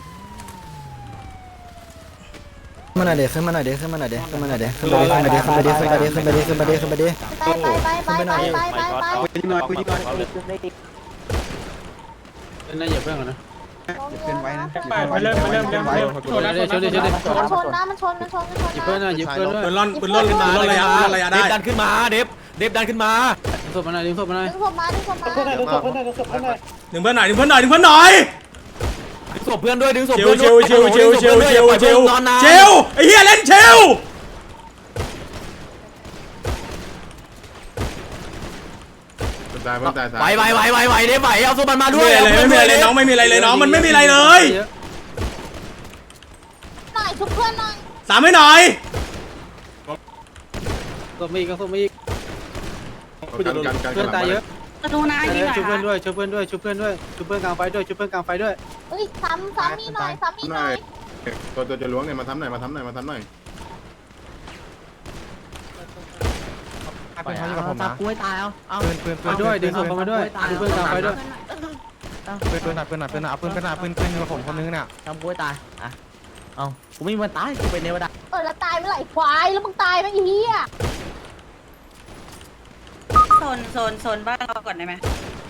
Speaker 5: ขึ้นมาหน่อยเด็กขึ้นมาหน่อยเด็กขึ้นมาหน่อยเด็กขึ้นมาหน่อยเด็กขึ้นมาเด็กขึ้นมาเด็กขึ้นมาเด็กขึ้นมาเด็กขึ้นมาเด็กขึ้นมาเด็กขึ้นมาเด็ก
Speaker 7: ไปไปไปไปไปไปไป
Speaker 6: ยิงหน่อยยิงหน่อยน่าเหยียบเพื่อนก่อนนะ
Speaker 7: เป็นไว้นะ
Speaker 8: ไปเริ่มไปเริ่มเริ่มเริ่มชนแล้วชนแล้วชนแล้ว
Speaker 7: มันชนนะมันชนมันชนมันชน
Speaker 6: หยิบเพื่อนหน่อยหยิบเพื่อนด้วย
Speaker 1: ปืนล่อนปืนล่อนปืนล่อนระยะปืนล่อนระยะได้
Speaker 2: ดันขึ้นมาเดฟเดฟดันขึ้นมา
Speaker 6: ดึงศพมาหน่อยดึงศพมาหน่อย
Speaker 7: ดึงศพมาดึงศพมา
Speaker 8: เพื่อนหน่อยเพื่อนหน่อยเพื่อนหน่อย
Speaker 1: ดึงเพื่อนหน่อยดึงเพื่อนหน่อยดึงเพื่อนหน่อย
Speaker 2: ดึงศพเพื่อนด้วยดึงศพ
Speaker 1: ชิว
Speaker 2: เพื่อน
Speaker 1: ชิวชิวชิวชิวชิวชิวชิวไอ้เหี้ยเล่นชิว
Speaker 2: ไหวไหวไหวไหวไหวเดฟไหวเอาศพมันมาด้ว
Speaker 1: ไม่
Speaker 2: ย
Speaker 1: มีอะไรเลยไม่มีอะไรเลยน้องไม่มีอะไรเลยน้องมันไม่มีอะไรเลย
Speaker 7: หน่อยชุบเพื่อนหน่อย
Speaker 1: สามให้หน่อย
Speaker 6: ศพมีอีกศพมีอีกเพื่อนตายเยอะ
Speaker 9: จะดูนะยิงหน่อย
Speaker 6: ชุบเพื่อน
Speaker 9: ค่ะ
Speaker 6: ด้วยชุบเพื่อนด้วยชุบเพื่อนด้วยชุบเพื่อนกลางไฟด้วยชุบเพื่อนกลางไฟด้วย
Speaker 7: เฮ้ยซ้ำซ้ำมีหน่อยซ้ำมีหน่อย
Speaker 10: ตัวตัวจะล้วงเนี่ยมาทำหน่อยมาทำหน่อยมาทำหน่อย
Speaker 5: ปืนเขาอยู่กับผมนะปืนปืนปืน
Speaker 6: มาด้วยดึงศพมาด้วยชุบเพื่อนกลางไฟด้วย
Speaker 5: ปืนปืนหนักปืนหนักปืนหนักเอาปืนปืนหนักปืนปืนอยู่กับผมคนนึงเนี่ย
Speaker 4: ทำกูตายอ่ะเอากูไม่มีวันตายกูเป็นเนวดา
Speaker 7: เออแล้วตายเมื่อไหร่ควายแล้วมึงตายไหมไอ้เหี้ย
Speaker 9: โซนโซนโซนบ้านเราก่อนได้ไหม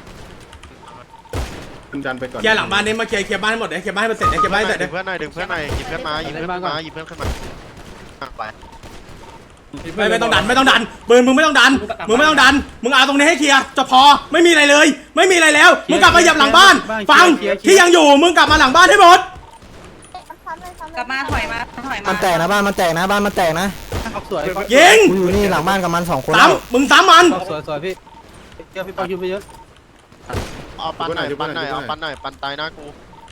Speaker 10: คุณดันไปก่อน
Speaker 1: เคลียร์หลังบ้านนี้มาเคลียร์เคลียร์บ้านให้หมดเลยเคลียร์บ้านให้มันเสร็จเลยเคลียร์บ้านให้เสร็จเลย
Speaker 3: เพื่อนหน่อยดึงเพื่อนหน่อยหยิบเพื่อนมาหยิบเพื่อนมาหยิบเพื่อนขึ้นมาไป
Speaker 1: ไม่ไม่ต้องดันไม่ต้องดันปืนมึงไม่ต้องดันมึงไม่ต้องดันมึงเอาตรงนี้ให้เคลียร์จะพอไม่มีอะไรเลย ไม่มีอะไรแล้วมึงกลับมาเหยียบหลังบ้านฟังที่ยังอยู่มึงกลับมาหลังบ้านให้หมด
Speaker 7: ซ้ำเลยซ้ำเลย
Speaker 9: กลับมาถอยมาถอยมา
Speaker 5: มันแตกนะบ้านมันแตกนะบ้านมันแตกนะ
Speaker 6: ออกสวย
Speaker 1: ยิง
Speaker 5: กูอยู่นี่หลังบ้านกับมันสองคน
Speaker 1: ซ้ำมึงซ้ำมัน
Speaker 6: ออกสวยสวยพี่เดี๋ยวพี่ปอยุบไปเยอะ
Speaker 3: เอาปันหน่อยปันหน่อยเอาปันหน่อยปันตายหน้ากู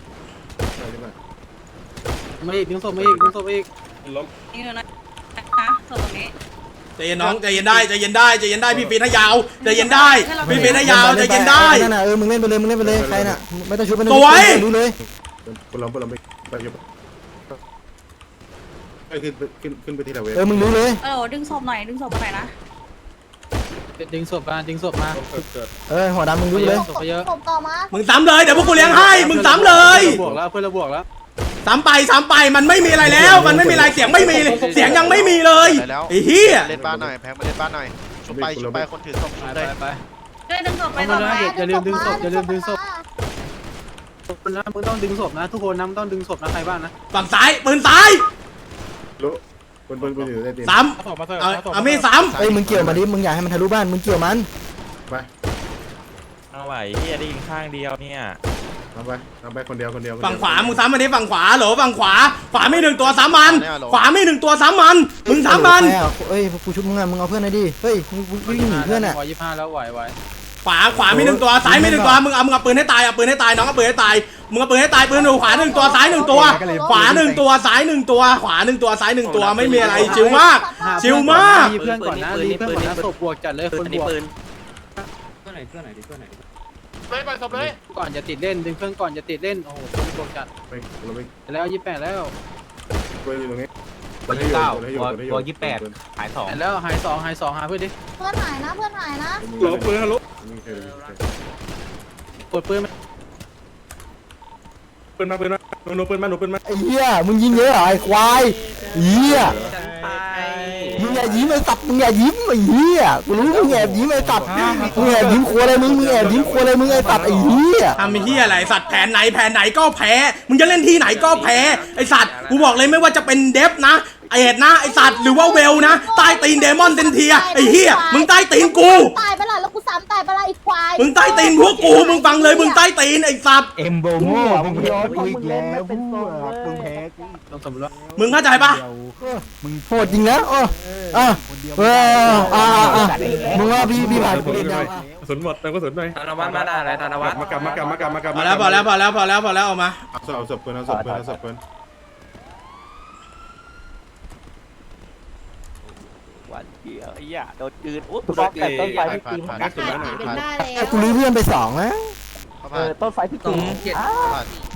Speaker 6: มาอีกดึงศพมาอีกดึงศพมาอีก
Speaker 9: นี่ดูนะนะโซนตรงนี้
Speaker 1: ใจเย็นน้องใจเย็นได้ใจเย็นได้ใจเย็นได้พี่ฟีนให้ยาวใจเย็นได้พี่ฟีนให้ยาวใจเย็นได้
Speaker 5: นั่นน่ะเออมึงเล่นไปเลยมึงเล่นไปเลยใครน่ะไม่ต้องชุบไม่ต้อง
Speaker 1: สวย
Speaker 5: ดูเลย
Speaker 10: คุณลองคุณลองไปไปยุบไปขึ้นขึ้นขึ้นไปที่ละเวท
Speaker 5: เออมึงรู้เลย
Speaker 9: เออดึงศพหน่อยดึงศพมาหน่อยนะ
Speaker 6: ดึงศพมาดึงศพมา
Speaker 5: เออหัวดำมึงรู้เลย
Speaker 6: ศพไปเยอะ
Speaker 7: ศพต่อมา
Speaker 1: มึงซ้ำเลยเดี๋ยวพวกกูเลี้ยงให้มึงซ้ำเลย
Speaker 6: บวกแล้วเพื่อนเราบวกแล้ว
Speaker 1: ซ้ำไปซ้ำไปมันไม่มีอะไรแล้ว มันไม่มีอะไรเสียงไม่มีเลยเสียงยังไม่มีเลยไอ้เหี้ย
Speaker 3: เล่นบ้านหน่อยแพ้มาเล่นบ้านหน่อยชุบไปชุบไปคนถือศพชุบ
Speaker 6: ไป
Speaker 3: เลย
Speaker 6: ไป
Speaker 9: ด้วยดึงศพไป
Speaker 6: เอา
Speaker 9: ต่
Speaker 6: มา
Speaker 9: อ
Speaker 6: เลย
Speaker 9: ไป
Speaker 6: อย่าลืมดึงศพอย่าลืมดึงศพ
Speaker 7: มา
Speaker 6: คนนะมึงต้องดึงศพนะทุกคนนะมึงต้องดึงศพนะใครบ้างนะ
Speaker 1: ฝั่งซ้ายปืนซ้าย
Speaker 10: รู้คนคนคนอยู่ได้ดี
Speaker 1: ซ้ำเอาเอามีดซ้
Speaker 5: เอ้ยมึงเกี่ยวมาดิมึงอยากให้มันทะลุบ้านมึงเกี่ยวมัน
Speaker 10: ไป
Speaker 4: เอาไหวเฮียได้ยิงข้างเดียวเนี่ย
Speaker 10: ทำไปทำไปคนเดียวคนเดียว
Speaker 1: ำฝั่งขวามึงซ้ำมันดิฝั่งขวาเหรอฝั่งขวาขวาไม่หนึ่งตัวซ้ำมันขวาไม่หนึ่งตัวซ้ำมันมึงซ้ำมัน
Speaker 5: ใครอ่ะเอ้ยกูชุบมึงอ่ะมึงเอาเพื่อนหน่อยดิเฮ้ยมึงวิ่งหนีเพื่อนอ่ะ
Speaker 6: วยี่ห้าแล้วไหวไหว
Speaker 1: ขวาขวาไม่หนึ่งตัวซ้ายไม่หนึ่งตัวมึงเอามึงเอาปืนให้ตายเอาปืนให้ตายน้องเอาปืนให้ตายมึงเอาปืนให้ตายปืนอยู่ขวาหนึ่งตัวซ้ายหนึ่งตัว ขวาหนึ่งตัวซ้ายหนึ่งตัว ขวาหนึ่งตัวซ้ายหนึ่งตัวไม่มีอะไรชิวมาก ชิวมาก
Speaker 6: รีเพื่อนก่อนนะรีเพื่อนก่อนนะศพบวกจัดเลยคนบวก
Speaker 3: เลยไปศพเลย
Speaker 6: ก่อนจะติดเล่นดึงเพื่อนก่อนจะติดเล่นโอ้โหคนบวกจัด
Speaker 10: ไปเราไป
Speaker 6: แล้วยี่แปดแล้ว
Speaker 10: ไปอยู่ตรงนี้
Speaker 2: ตัวยี่สิบเก้าตัวยี่สิบแปดหายสอง
Speaker 6: แล้วหายสองหายสองหาเพื่อนดิ
Speaker 7: เพื่อนหายนะเพื่อนหายนะ
Speaker 10: หลบปืนฮัลโหล
Speaker 6: กดปืน
Speaker 10: ปืนมาปืนมาหนูปืนมาหนูปืนมา
Speaker 5: ไอ้เหี้ยมึงยิงเยอะเหรอไอ้ควายเหี้ยมึงอย่ายิ้มไอ้สัตว์มึงอย่ายิ้มไอ้เหี้ยกูรู้มึงแอบยิ้มไอ้สัตว์มึงแอบยิ้มครัวอะไรมึงมึงแอบยิ้มครัวอะไรมึงไอ้สัตว์ไอ้เหี้ย
Speaker 1: ทำไอ้เหี้ยอะไรสัตว์แผนไหนแผนไหนก็แพ้มึงจะเล่นที่ไหนก็แพ้ไอสัตว์กูบอกเลยไม่ว่าจะเป็นเดฟนะไอเอ็ดนะไอสัตว์หรือว่าเวลนะใต้ตีนเดมอนเซนเทียไอเหี้ยมึงใต้ตีนกู
Speaker 7: ตายไปละแล้วกูซ้ำตายไปละอีกควาย
Speaker 1: มึงใต้ตีนพวกกูมึงฟังเลยมึงใต้ตีนไอสัตว์
Speaker 2: เอ็มโบโม่มึงแพ้
Speaker 5: กูอีกแล้วมึงมึงแพ้
Speaker 6: ต้องสมมติว่า
Speaker 1: มึงเข้าใจปะ
Speaker 5: มึงโหดจริงนะอ๋ออ่ะเอออ่ะอ่ะมึงว่าพี่พี่ผ่านกูเล่นได้
Speaker 10: สนหมดแต่ก็สนหน่อย
Speaker 4: ธนวัฒน์มาได้อะไรธนวัฒน์
Speaker 10: มากลับมากลับมากลับมากลับ
Speaker 1: พอแล้วพอแล้วพอแล้วพอแล้วพอแล้วออกมา
Speaker 10: เอาศพเอาศพปืนเอาศพปืนเอาศพปืน
Speaker 4: วันเดียวไอ้ยาโดนจืดอุ๊บ
Speaker 3: บล็อกแต่ต้นไฟที่ตีมัน
Speaker 10: สุดแล้วหน่อย
Speaker 7: เป็นได้แล้ว
Speaker 5: กูรู้เพื่อนไปสองนะ
Speaker 3: ต้นไฟที่ตี
Speaker 4: เจ็ด
Speaker 5: ม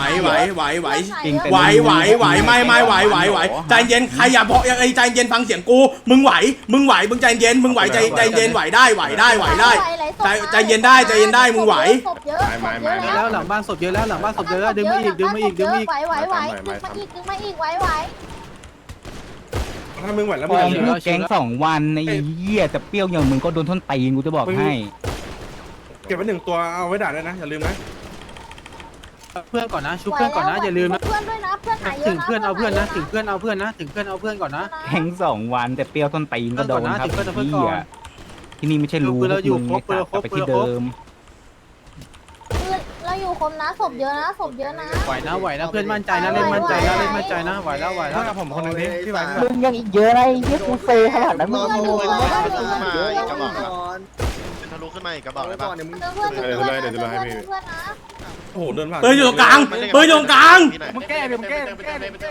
Speaker 1: ไหวไหวไหวไหวไหวไหวไหวไม่ไม่ไหวไหวไหวใจเย็นใครอย่าบอกไอ้ใจเย็นฟังเสียงกูมึงไหวมึงไหวมึงใจเย็นมึงไหวใจใจเย็นไหวได้ไหวได้ไหวได้ใจใจเย็นได้ใจเย็นได้มึงไหว
Speaker 6: แล้วหลังบ้านศพเยอะแล้วหลังบ้านศพเยอะแล้วดึงมาอีกดึงมาอีกดึงมาอีก
Speaker 7: ไหวไหวไหวดึงมาอีกดึงมาอีกไหวไหว
Speaker 10: ถ้ามึงไหวแล้วมึ
Speaker 2: ป
Speaker 10: ง
Speaker 2: ล่อย
Speaker 10: อย่า
Speaker 2: ลูกแก๊งสองวันไอ้เหี้ยแต่เปรี้ยวอย่างมึงก็โดนท่อนตีนกูจะบอกให้
Speaker 10: เก็บไว้หนึ่งตัวเอาไว้ด่าด้วยนะอย่าลืมนะ
Speaker 6: เพื่อนก่อนนะชุบเพื่อนก่อนนะอย่าลืมนะ
Speaker 7: เพื่อนด้วยนะเพื่อนหายเยอะ
Speaker 6: ถึงเพื่อนเอาเพื่อนนะถึงเพื่อนเอาเพื่อนนะถึงเพื่อนเอาเพื่อนก่อนนะ
Speaker 2: แก๊งสองวันแต่เปรี้ยวท่อนตีนก็โดนครับ
Speaker 6: เพื่อนก่อนนะ
Speaker 2: เหี้ยที่นี่ไม่ใช่รู้
Speaker 6: เพื่อนเราอยู่
Speaker 2: มึง
Speaker 6: ครบ
Speaker 2: กลับไป
Speaker 6: เพื่
Speaker 2: ที่
Speaker 6: อนเราครบ
Speaker 2: เดิม
Speaker 7: เราอยู่คมนะศพเยอะนะศพเยอะนะ
Speaker 6: ไหวนะไหวนะเพื่อนมั่นใจนะเล่นมั่นใจนะเล่นมั่นใจนะไหวแล้วไหวแล้ว
Speaker 10: ผมคนนึงดิพี่ไหว
Speaker 5: มึงยังอีกเยอะนะไอ้เหี้ยกูเซขนาดนั้นมึง
Speaker 7: เพื่อน
Speaker 5: โง่
Speaker 7: เพื่อนเพื่อนเพื่อนเพื่อน
Speaker 3: กระบอกทะลุขึ้นมาอีกกระบอกเลยป่ะ
Speaker 7: เพื่อนเพื่อนเพื่อนเพื่อนนะ
Speaker 10: โอ้โหเดินผ่าน
Speaker 1: ปืนอยู่ตรงกลางปืนอยู่ตรงกลาง
Speaker 3: มึงแก้ดิมึงแก้มึงแก้มึงแก้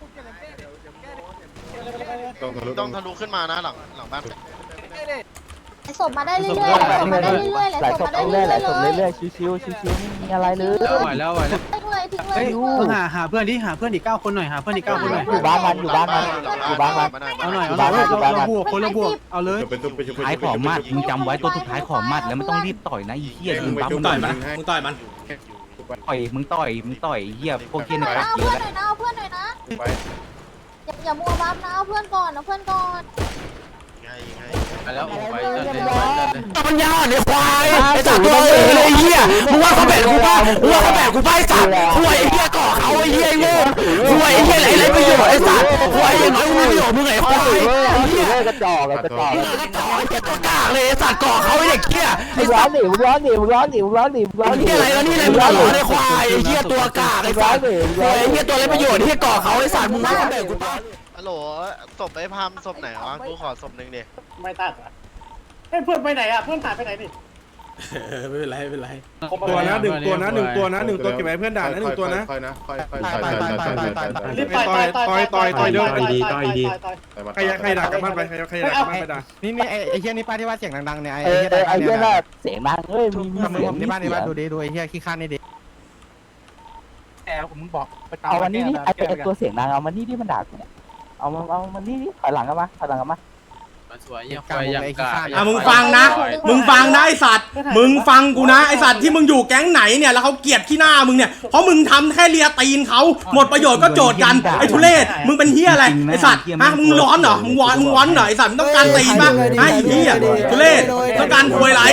Speaker 3: ต้องทะลุขึ้นมานะหลังหลังบ้าน
Speaker 7: ศพมาได้เรื่อยๆศพมาได้เรื่อยๆ
Speaker 5: ไหล
Speaker 7: ศ
Speaker 5: ศ
Speaker 7: พ
Speaker 5: พ
Speaker 7: มาได้
Speaker 5: เรื่
Speaker 7: เรื่
Speaker 5: อ
Speaker 7: อย ยๆ
Speaker 5: ไหลศพ
Speaker 7: เลย
Speaker 5: เรื่อยๆชิวๆชิวๆไม่มีอะไรเลย
Speaker 6: ไหวแล้วไหวแล้ว
Speaker 7: ทิ้งเลยทิ้งเล
Speaker 6: เฮ้
Speaker 7: ย
Speaker 6: ยมึงหาหาเพื่อนดิหาเพื่อนอีกเก้าคนหน่อยหาเพื่อนอีกเก้าคนหน่อย
Speaker 5: อยู่บ้านมันอยู่บ้านมันอยู่บ้านมัน
Speaker 6: เอาหน่อยเอาหน่อยเราบวกคนละบวกเอาเลย
Speaker 10: เป็นตุ๊บไปชุบ
Speaker 2: ท้ายขอมัดมึงจำไว้ตัวสุดท้ายขอมัดแล้วไม่ต้องรีบต่อยนะไอ้เหี้ยมึงปั๊ม
Speaker 1: มึ
Speaker 2: มึ
Speaker 1: ง
Speaker 2: ง
Speaker 1: ต่
Speaker 2: ต่
Speaker 1: อ
Speaker 2: อย ย
Speaker 1: มันมึงต่อยมัน
Speaker 2: ต่อยมึงต่อยมึงต่อยไอ้เหี้ยพวกเหี้ยใน
Speaker 7: เอา
Speaker 2: กักเย
Speaker 7: เพื่อ
Speaker 2: อะ
Speaker 7: นห
Speaker 2: แห
Speaker 7: น่
Speaker 2: ละ
Speaker 7: อยนะเอาเพื่อนหน่อยนะอย่าอย่ามัวบัฟนะเอาเพื่อนก่อนเอาเพื่อนก่อน
Speaker 6: แล้วไป
Speaker 5: ปัญญาอ่อนไอ้ควายไอ้สัตว์ตัวเอ๋ยเลยไอ้เหี้ยมึงว่าเขาแบกกูป่ะมึงว่าเขาแบกกูป่ะไอ้สัตว์ห่วยไอ้เหี้ยก่อเขาไอ้เหี้ยไอ้โง่ห่วยไอ้เหี้ยไหลไหลประโยชน์ไอ้สัตว์ห่วยอย่างน้อยมึงมีประโยชน์มึงไอ้ควายไอ้เหี้ยกระจอกกระจอกกระจอกไอ้เหี้ยตัวกากเลยไอ้สัตว์ก่อเขาไอ้เด็กเหี้ยไอ้ร้อนดิมึงร้อนดิมึงร้อนดิมึงร้อนดิมึงร้อนดิอะไรแล้วนี่อะไรมึงร้อนไอ้ควายไอ้เหี้ยตัวกากไอ้สัตว์ห่วยไอ้เหี้ยตัวไรประโยชน์ที่ก่อเขาไอ้สัตว์มึงว่าเขาแบกกูป่ะ
Speaker 3: ฮัลโหลศพไอ้พามศพไหนวะกูขอศพหนึ่งดิ
Speaker 8: ไม่ตัดอ่ะเฮ้ยเพื่อนไปไหนอ่ะเพื่อนหายไปไหนนี่
Speaker 1: เออไม่เป็นไรไม่เป็นไร
Speaker 10: ตัวนะหนึ่งตัวนะหนึ่งตัวนะหนึ่งตัวเก็บไว้เพื่อนด่านะหนึ่งตัวนะ
Speaker 3: ค่อยๆนะค่อยๆค่อย
Speaker 4: ตายตายตายตายตายตาย
Speaker 6: รีบต่อยต่อยต่อยต่อยต่อยเดิน
Speaker 10: ใครใครด่ากันบ้านไปใครใครด่ากันบ้านไปด่า
Speaker 4: นี่นี่ไอ้ไอ้เหี้ยนี่ป้าที่ว่าเสียงดังๆเนี่ยไอ้
Speaker 5: เออ
Speaker 4: เหี้ย
Speaker 5: ไอ้เหี้ย
Speaker 4: น่ะ
Speaker 5: น่ะเสียงดังเอ้ยมีมี
Speaker 4: ทำมื
Speaker 5: เสี
Speaker 4: อย
Speaker 5: ง
Speaker 4: ผม
Speaker 5: มี
Speaker 4: ที่บ้าน
Speaker 5: เสี
Speaker 4: ที่
Speaker 5: ย
Speaker 4: บ้าน
Speaker 5: ง
Speaker 4: ดูดิดูไอ้เหี้ยขี้ข้านนี่ดิ
Speaker 6: แอบผมมึงบอก
Speaker 5: เอามันนี่นี่ไอ้ไอ้ตัวเสียงดังเอามันนี่ที่มันด่ากูเนี่ยเอามันเอามันนี่นี่ถอยหลังกันมาถอยหลังกันมา
Speaker 6: สวย
Speaker 4: กลางวงไอ้ขี้ข้าน
Speaker 1: อ่ะมึงฟังนะ มึงฟังนะไอสัตว์ มึงฟังกูนะไอสัตว์ที่มึงอยู่แก๊งไหนเนี่ยแล้วเขาเกลียดที่หน้ามึงเนี่ยเพราะมึงทำแค่เลียตีนเขาหมดประโยชน์ก็โจทย์กันไอทุเรศมึงเป็นเฮียอะไรไอสัตว์ฮะมึงร้อนเหรอมึงวอนมึงวอนเหรอไอสัตว์มึงต้องการตีนปะไอเฮียทุเรศต้องการควยไร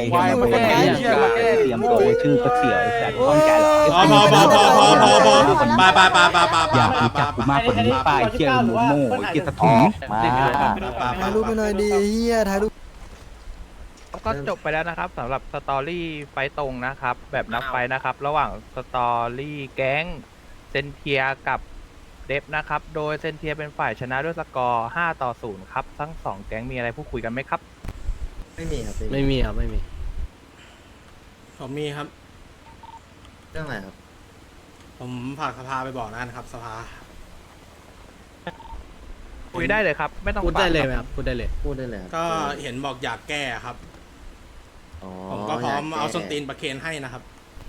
Speaker 2: เตรียมตัวชื่อก็เสียวไอ้แสนต้องใจหรอ
Speaker 1: พอพอพอพอพอพอพอไปไปไปไปไปไป
Speaker 2: อยาก
Speaker 1: ไป
Speaker 2: รู้จักกูมากกว่านี้ป้าไอ้เชี่ยโมโม่ไอ้เชี่ยสะถุง
Speaker 5: มาถ่ายรูปไปหน่อยดิเฮียถ่ายรูป
Speaker 11: ก็จบไปแล้วนะครับสำหรับสตอรี่ไฟตรงนะครับแบบนับไฟนะครับ ระหว่างสตอรี่แก๊งเซนเทียกับเดฟนะครับโดยเซนเทียเป็นฝ่ายชนะด้วยสกอร์ห้าต่อศูนย์ครับทั้งสองแก๊งมีอะไรพูดคุยกันไหมครับ
Speaker 5: ไม่มีครับ
Speaker 4: ไม่มีครับไม่มี
Speaker 1: ผมมีครับ
Speaker 5: เรื่องอะไรครับ
Speaker 1: ผมฝากสภาไปบอกนะครับสภา
Speaker 11: คุยได้เลยครับไม่ต้อง
Speaker 4: พูดได้เลย
Speaker 11: ปาก
Speaker 4: ไหมครับพูดได้เลย
Speaker 5: พูดได้เลยครับ
Speaker 1: ก็เห็นบอกอยากแก้ครับ
Speaker 5: อ๋อ
Speaker 1: ผมก็พร้อม
Speaker 5: ยกแก้
Speaker 1: เอาส้นตีนประเคนให้นะครับ